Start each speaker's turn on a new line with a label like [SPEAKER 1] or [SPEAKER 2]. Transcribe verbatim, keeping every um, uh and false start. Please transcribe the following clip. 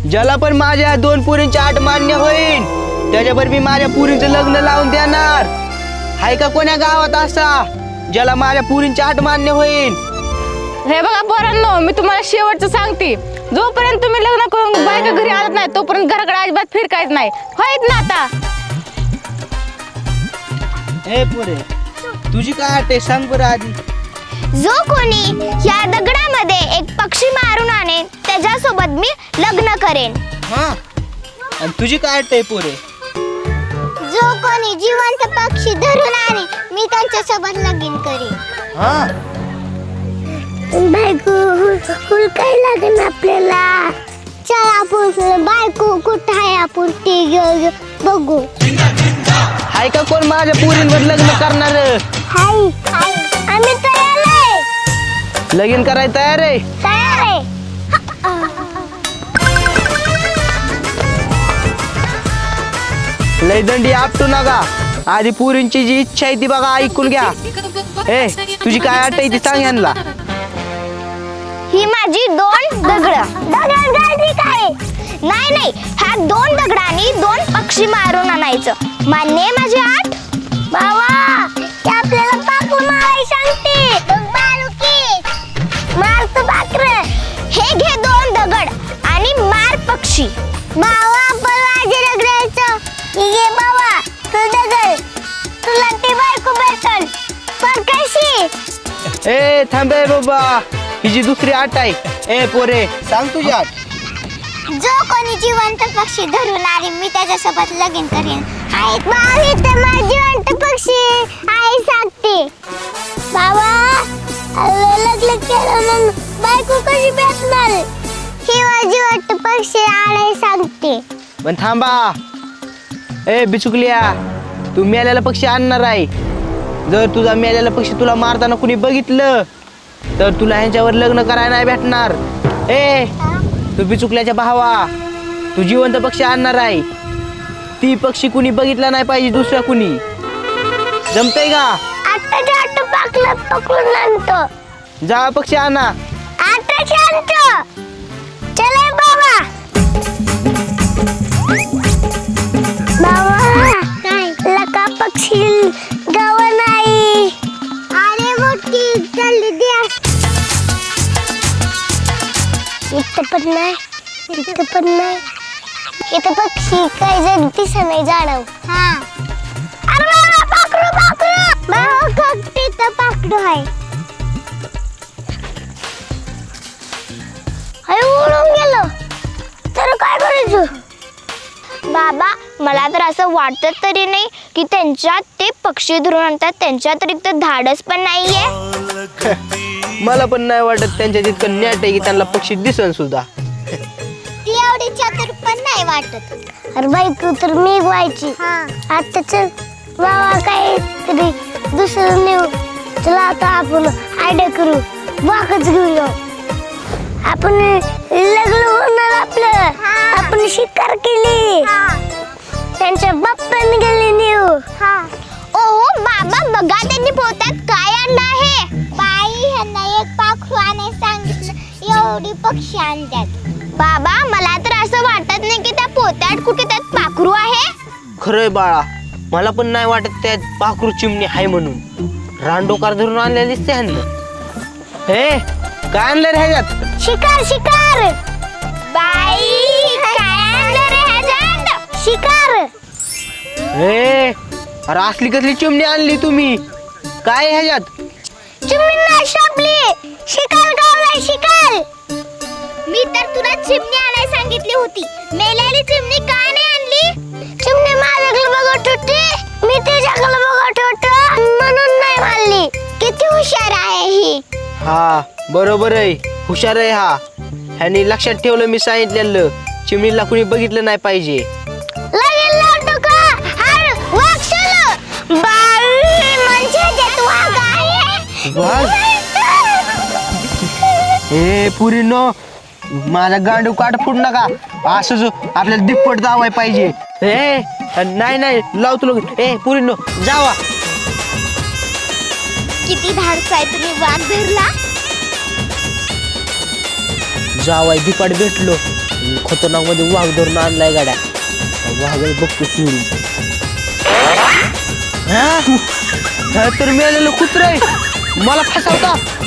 [SPEAKER 1] ज्याला पण माझ्या दोन पुरींची आठ मान्य होईल त्याच्यावर मी माझ्या पुरींचं लग्न लावून देणार. हाय का कोण्या गावात असा ज्याला माझ्या पुरींची आठ मान्य होईल?
[SPEAKER 2] हे बघा पोरांनो, मी तुम्हाला शेवटचं सांगते, जोपर्यंत तुम्ही लग्न करून बायका घरी आणत नाही तोपर्यंत घराकडे अजिबात फिरकायच नाही. होईत ना आता?
[SPEAKER 1] हे पोरे, तुझी काय आठ आहे सांग बरं आधी.
[SPEAKER 3] जो कोणी या दगडामध्ये एक पक्षी मारून आणेल त्याच्यासोबत मी लग्न करेन.
[SPEAKER 1] हा, आणि तुझी काय आठ आहे पोरे?
[SPEAKER 3] जो कोणी जिवंत पक्षी धरून आणेल मी त्यांच्यासोबत लगीन करेन.
[SPEAKER 1] हा,
[SPEAKER 3] बायको हुलकाय लागेल आपल्याला. चल आपण बायको कुठं आहे आपण ते बघू.
[SPEAKER 1] हाय का कोण माझ्या पुरींवर लग्न करणार?
[SPEAKER 3] हाय हाय आम्ही तयार आहे.
[SPEAKER 1] लगीन करायला तयार आहे?
[SPEAKER 3] तयार आहे.
[SPEAKER 1] लय दंडी आपटू नका. आधी पुरींची जी इच्छा आहे ती बघा, ऐकून घ्या. ए, तुझी काय आठ आहे ती सांग यांना.
[SPEAKER 3] ही माझी दोन दगड. दगड गाडी काय? नाही नाही, ह्या दोन दगडांनी दोन पक्षी मारून आणायचं. मान्य आहे माझी आठ? बाबा ते आपल्याला पाखरू मारायला सांगते. बालुकी मारतो पाखर. हे घे दोन दगड आणि मार पक्षी. बाबा आपण माझे दगडायचं. घे बाबा तू दगड, तुला ती बायको भेटल. पण कशी?
[SPEAKER 1] ए थांबे बाबा, हिची दुसरी आठ आहे. ए पोरे, सांग तुझी आठ.
[SPEAKER 3] जो कोणी जिवंत पक्षी धरून आले मी त्याच्यासोबत लगीन करेन. आई बाबा तर माझी जिवंत पक्षी आई सांगते. बाबा लग्न केलं मग बायको कशी भेटणार? ही माझी जिवंत पक्षी आई सांगते.
[SPEAKER 1] पण थांबा. ए बिचुकलिया, तू मेलेला पक्षी आणणार आहे. जर तुझा मेलेला पक्षी तुला मारताना कुणी बघितलं तर तुला ह्यांच्यावर लग्न करायला नाही भेटणार. ए तू बिचुकल्याच्या भावा, तू जिवंत पक्षी आणणार आहे. ती पक्षी कुणी बघितला नाही पाहिजे दुसऱ्या कुणी. जमतंय का?
[SPEAKER 3] आताच्या आठ पाकलं पकडून आणतो.
[SPEAKER 1] जा पक्षी आणा.
[SPEAKER 3] आताच्या आणतो. चले बाबा. बाबा काय लका पक्षी गाव नाही. अरे मोठी चालली द्या. इथं पण नाही, इथं पण नाही. इथं पक्षी काय जण दिसत नाही झाडाव. हा अरे बाबा पाखरू पाखरू. बाबा कगटी तर पाखरू आहे. अरे उडून गेलो तर काय करायचं? बाबा मला तर असं वाटत तरी नाही की त्यांच्यात ते पक्षी धरून आणतात त्यांच्यात तरी तर धाडस पण नाहीये.
[SPEAKER 1] मला पण नाही वाटत त्यांच्या तितकं नॅट आहे की त्यांना पक्षी दिसन सुद्धा.
[SPEAKER 3] ती एवढी चतुर पण नाही वाटत. अरे बायको तर मी व्हायची. आता चल बाबा काय तरी दुसरं नेऊ. चला आता आपण आयडिया करू. वाकच घेऊया. आपण लग्न होणार आपलं. आपण शिकार केली. त्यांच्या बाप्पाने गेली नेऊ. ओ बाबा बघा त्यांनी पोत्यात काय आणलं आहे. बाई ह्यांना एक पाखरू आणायला सांगितलं, एवढी पक्षी आणतात. बाबा मला तर असं वाटत नाही की त्या पोत्यात कुठे त्यात पाखरू आहे.
[SPEAKER 1] खरंय बाळा, मला पण नाही वाटत त्यात पाखरू चिमणी आहे म्हणून. रानडोकार धरून आणलेली दिसते ह्यांना. हे काय आणलं रे ह्याच्यात?
[SPEAKER 3] शिकार शिकार. बाई काय आणलं रे ह्याच्यात? शिकार.
[SPEAKER 1] हे अरे असली कसली चिमणी आणली तुम्ही? काय आहे ह्याच्यात?
[SPEAKER 3] चिमणी नाही सापली. शिकार गावलाय शिकार. मी तर तुला चिमणी आणायला सांगितली होती. मेलेली चिमणी का नाही आणली? चिमणी माझ्याकडे बघत होती, मी तिच्याकडे बघत होतो म्हणून नाही मारली. किती हुशार आहे ही.
[SPEAKER 1] हा बरोबर आहे, हुशार आहे हा. ह्यानी लक्षात ठेवलं मी सांगितलेलं. चिमणीला कुणी बघितलं नाही पाहिजे.
[SPEAKER 3] लगेच लावतो का? अरे वाघ चलो. बाई म्हणजे त्यात वाघ आहे.
[SPEAKER 1] वाघ? ए पुरीनो, माझा गांडू काट फुट नका. असं जो आपल्याला दिप्पट जावाय पाहिजे. ए नाही नाही लावतो लोक. ए पुरीनो जावा.
[SPEAKER 3] किती धाडस आहे तुम्ही वाघ धरला.
[SPEAKER 1] जावाय दिपाट भेटलो. खतरनाक मध्ये वाघ धरून आणलाय गाड्या. वाघाला बघतो सोडून. हा? हा तर मेलेलं कुत्र आहे मला फसवता.